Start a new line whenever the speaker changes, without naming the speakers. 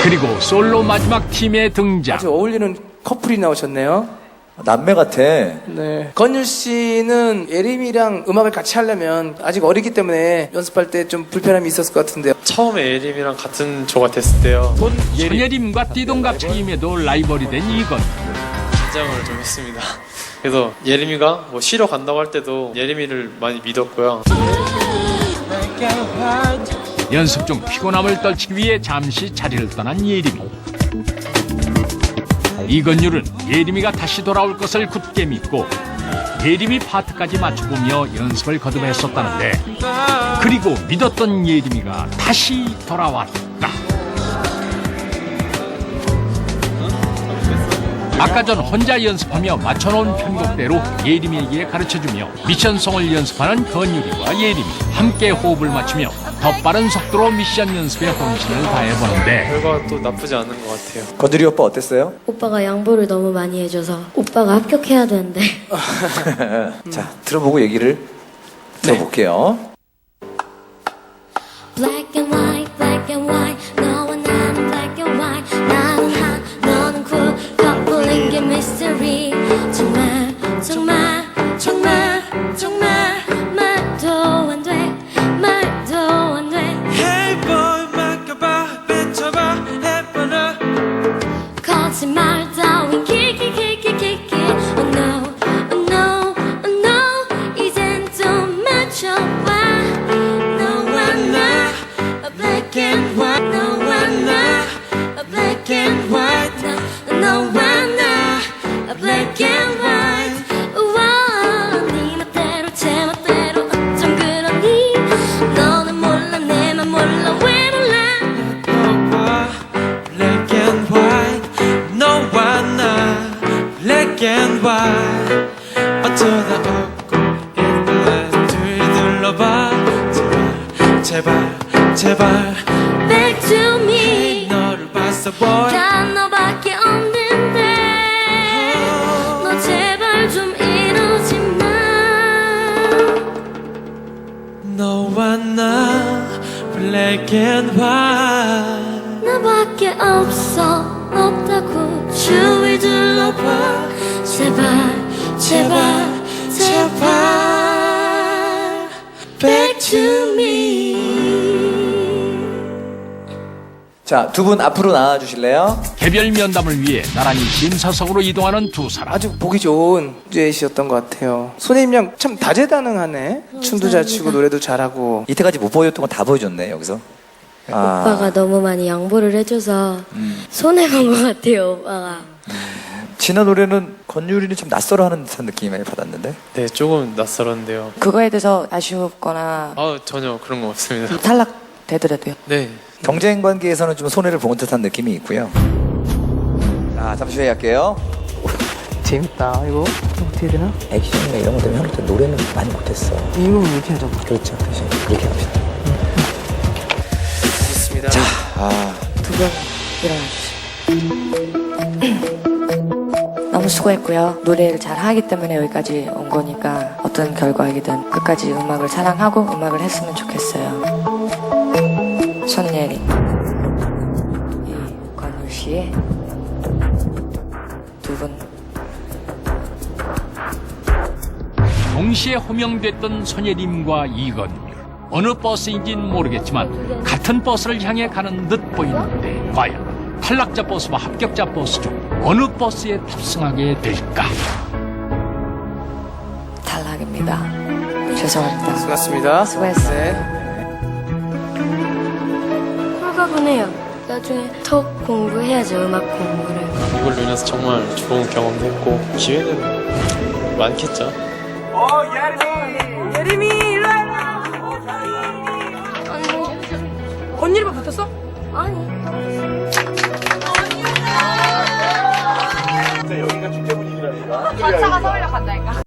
그리고 솔로 마지막 팀의 등장.
아주 어울리는 커플이 나오셨네요.
남매 같아.
네. 건율 씨는 예림이랑 음악을 같이 하려면 아직 어리기 때문에 연습할 때 좀 불편함이 있었을 것 같은데요.
처음에 예림이랑 같은 조가 됐을 때요.
손예림과 띠동갑 차임에도 라이벌이 된 이건.
긴장을 좀 했습니다. 그래서 예림이가 뭐 쉬러 간다고 할 때도 예림이를 많이 믿었고요.
연습 중 피곤함을 떨치기 위해 잠시 자리를 떠난 예림이. 이건율은 예림이가 다시 돌아올 것을 굳게 믿고 예림이 파트까지 맞춰보며 연습을 거듭했었다는데, 그리고 믿었던 예림이가 다시 돌아왔다. 아까 전 혼자 연습하며 맞춰놓은 편곡대로 예림이에게 가르쳐주며 미션송을 연습하는 건율이와 예림이 함께 호흡을 맞추며 더 빠른 속도로 미션 연습에 혼신을 다해보는데,
결과가 또 나쁘지 않은 것 같아요.
건드리 오빠 어땠어요?
오빠가 양보를 너무 많이 해줘서 오빠가 합격해야 되는데.
자, 들어보고 얘기를 들어볼게요.
Black and white, black and white. 너와 나는 black and white. 나는 hot, 너는 cool. 커플인 게 mystery. 정말, 정말, 정말, 정말 말도 안 돼, 말도 안 돼.
Hey boy 맡겨봐 뱉어봐 해봐라
거짓말 따윈 키키키키키키. Oh no, oh no, oh no. 이젠 좀 맞춰봐. 너와 나 black and white. 너와 나 black and white. 너와 나 black and white. 우와, 네 멋대로 제 멋대로 어쩜 그러니. 너는 몰라 내 맘 몰라 왜 몰라.
너와 black and white 너와 나 black and white 어쩌다 없고 있길래 들들러봐 제발 제발 제발
Back to me.
너를 봤어 boy
단 너밖에 없는데 너 제발 좀 이러지 마.
너와 나 black and white
나밖에 없어 없다고 주위 둘러봐. 제발 제발 제발 Back to me.
자, 두 분 앞으로 나와주실래요?
개별 면담을 위해 나란히 심사석으로 이동하는 두 사람.
아주 보기 좋은 듀엣이었던 것 같아요. 손예림 양 참 다재다능하네. 춤도 잘 추고 노래도 잘하고.
이때까지 못 보여줬던 거 다 보여줬네, 여기서.
오빠가 너무 많이 양보를 해줘서 손해본 것 같아요. 오빠가.
지난 노래는 건율이는 좀 낯설어하는 듯한 느낌을 받았는데.
네, 조금 낯설었는데요.
그거에 대해서 아쉽거나
전혀 그런 거 없습니다.
탈락되더라도요.
네.
경쟁 관계에서는 좀 손해를 본 듯한 느낌이 있고요. 자, 잠시 후에 할게요.
재밌다. 이거 어떻게 되나?
액션이나 이런 것 때문에 형한테 노래는 많이 못했어.
이거 이렇게 하자고.
그렇죠. 대신 그렇게 합시다.
좋습니다.
자,
두 분 일어나주세요. 너무 수고했고요. 노래를 잘 하기 때문에 여기까지 온 거니까 어떤 결과이든 끝까지 음악을 사랑하고 음악을 했으면 좋겠어요. 손예림, 이건율 씨의 두 분
동시에 호명됐던 손예림과 이건율. 어느 버스인지는 모르겠지만 같은 버스를 향해 가는 듯 보이는데, 과연 탈락자 버스와 합격자 버스 중 어느 버스에 탑승하게 될까?
탈락입니다. 죄송합니다.
수고하셨습니다.
수고했어요.
네.
홀가분해요. 나중에 더 공부해야죠. 음악 공부를.
이걸로 인해서 정말 좋은 경험도 했고 기회는 많겠죠.
예림이 일로 와. 건율이만 붙었어?
아니.
전차가 서울역 간다니까.